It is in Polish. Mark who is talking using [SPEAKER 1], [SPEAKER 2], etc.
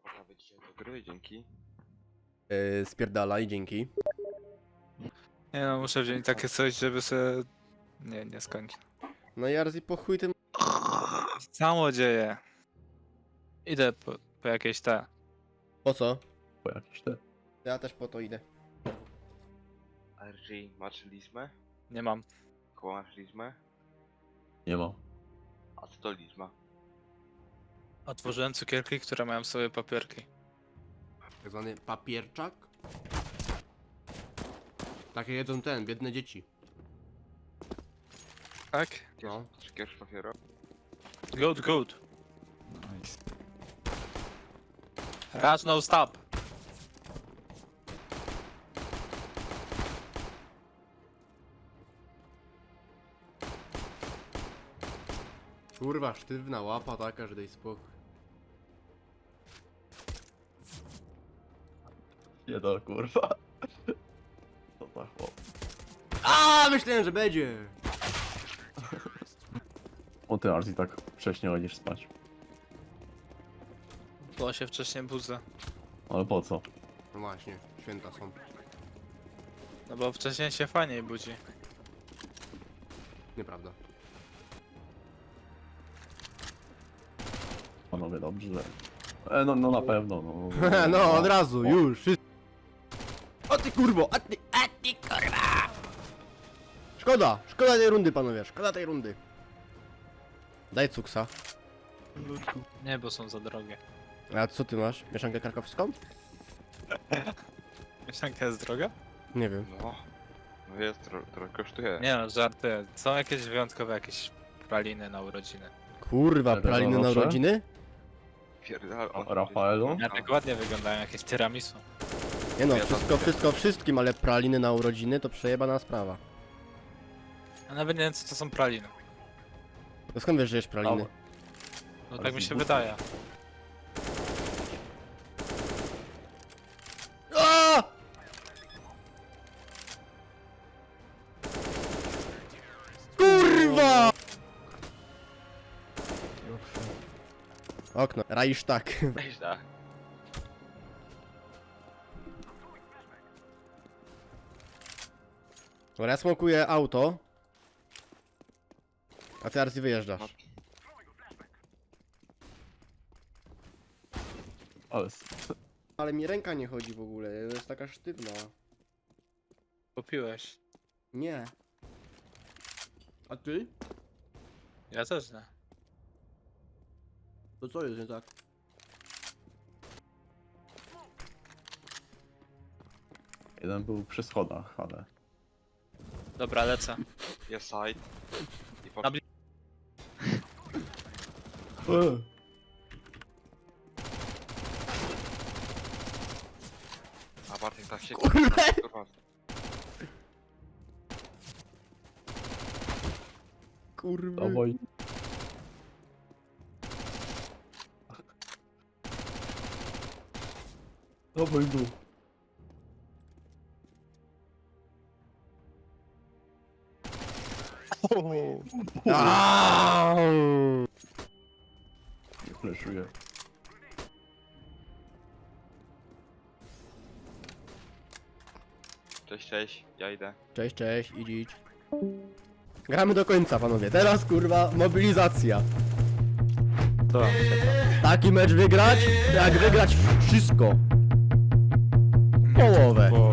[SPEAKER 1] Nawet dzisiaj do gry, dzięki.
[SPEAKER 2] Spierdalaj, dzięki.
[SPEAKER 3] Nie no, muszę wziąć takie coś, żeby sobie... Nie skończę.
[SPEAKER 2] No Jarzi, po chuj tym...
[SPEAKER 3] Samo dzieje. Idę po jakieś te.
[SPEAKER 2] Po co?
[SPEAKER 4] Po jakieś te.
[SPEAKER 2] Ja też po to idę.
[SPEAKER 1] RG, masz lizmę?
[SPEAKER 3] Nie mam.
[SPEAKER 1] Koło masz lizmę?
[SPEAKER 4] Nie ma.
[SPEAKER 1] A co to lizma?
[SPEAKER 3] Otworzyłem cukierki, które mają sobie papierki.
[SPEAKER 2] Tak zwany papierczak. Takie jedzą biedne dzieci.
[SPEAKER 3] Tak?
[SPEAKER 2] No.
[SPEAKER 1] Cukierz papiero?
[SPEAKER 3] Good. Raz no stop.
[SPEAKER 2] Kurwa, sztywna łapa taka, że daj spokój.
[SPEAKER 4] Nie do kurwa. Co za chłop.
[SPEAKER 2] A, myślałem, że będzie!
[SPEAKER 4] O ty Arzi tak wcześnie chodzisz spać.
[SPEAKER 3] Bo się wcześniej budzę.
[SPEAKER 4] Ale po co?
[SPEAKER 2] No właśnie, święta są.
[SPEAKER 3] No bo wcześniej się fajniej budzi.
[SPEAKER 2] Nieprawda.
[SPEAKER 4] Panowie dobrze. No na pewno, no.
[SPEAKER 2] No, od razu, już. O ty kurwo, a ty kurwa! Szkoda tej rundy, panowie, szkoda tej rundy. Daj cuksa.
[SPEAKER 3] Nie, bo są za drogie.
[SPEAKER 2] A co ty masz? Mieszankę krakowską?
[SPEAKER 3] Mieszanka jest droga?
[SPEAKER 2] Nie wiem.
[SPEAKER 1] No. No jest, trochę kosztuje.
[SPEAKER 3] Nie no, żarty. Są jakieś wyjątkowe jakieś praliny na urodziny.
[SPEAKER 2] Kurwa,
[SPEAKER 4] Ale
[SPEAKER 2] praliny na
[SPEAKER 4] proszę?
[SPEAKER 2] urodziny?
[SPEAKER 1] Pierdal,
[SPEAKER 4] A Rafaelu?
[SPEAKER 3] Ja tak ładnie wyglądają, jakieś tiramisu.
[SPEAKER 2] Nie no,
[SPEAKER 1] Ja tam
[SPEAKER 2] wszystko wszystkim, ale praliny na urodziny to przejebana sprawa.
[SPEAKER 3] A nawet nie wiem co to są praliny.
[SPEAKER 2] To skąd wiesz, że jesz praliny?
[SPEAKER 3] No
[SPEAKER 4] Ale
[SPEAKER 3] tak mi się
[SPEAKER 4] zbóż.
[SPEAKER 3] wydaje.
[SPEAKER 2] A! Kurwa! Okno, Reichstag.
[SPEAKER 1] Weź da.
[SPEAKER 2] Dobra, ja smokuję auto. A ty Arzi wyjeżdżasz.
[SPEAKER 4] Ale
[SPEAKER 2] Ale mi ręka nie chodzi w ogóle, jest taka sztywna.
[SPEAKER 3] Kupiłeś.
[SPEAKER 2] Nie. A ty?
[SPEAKER 3] Ja też nie.
[SPEAKER 2] To co jest nie tak?
[SPEAKER 4] jeden był przy schodach, ale...
[SPEAKER 3] Dobra, lecę.
[SPEAKER 1] Jest side. I po...
[SPEAKER 3] Na bli-
[SPEAKER 1] A Bartek tak się...
[SPEAKER 2] Kurwa!
[SPEAKER 1] Kurwa.
[SPEAKER 2] Kurwa.
[SPEAKER 4] Dawaj. Dawaj go.
[SPEAKER 2] Aaaa!
[SPEAKER 4] Nie fleszuję.
[SPEAKER 1] Cześć, ja idę.
[SPEAKER 2] Cześć, idź. Gramy do końca, panowie. Teraz, kurwa, mobilizacja.
[SPEAKER 3] To wam się
[SPEAKER 2] Taki mecz wygrać, jak wygrać wszystko. Połowę.
[SPEAKER 3] Bo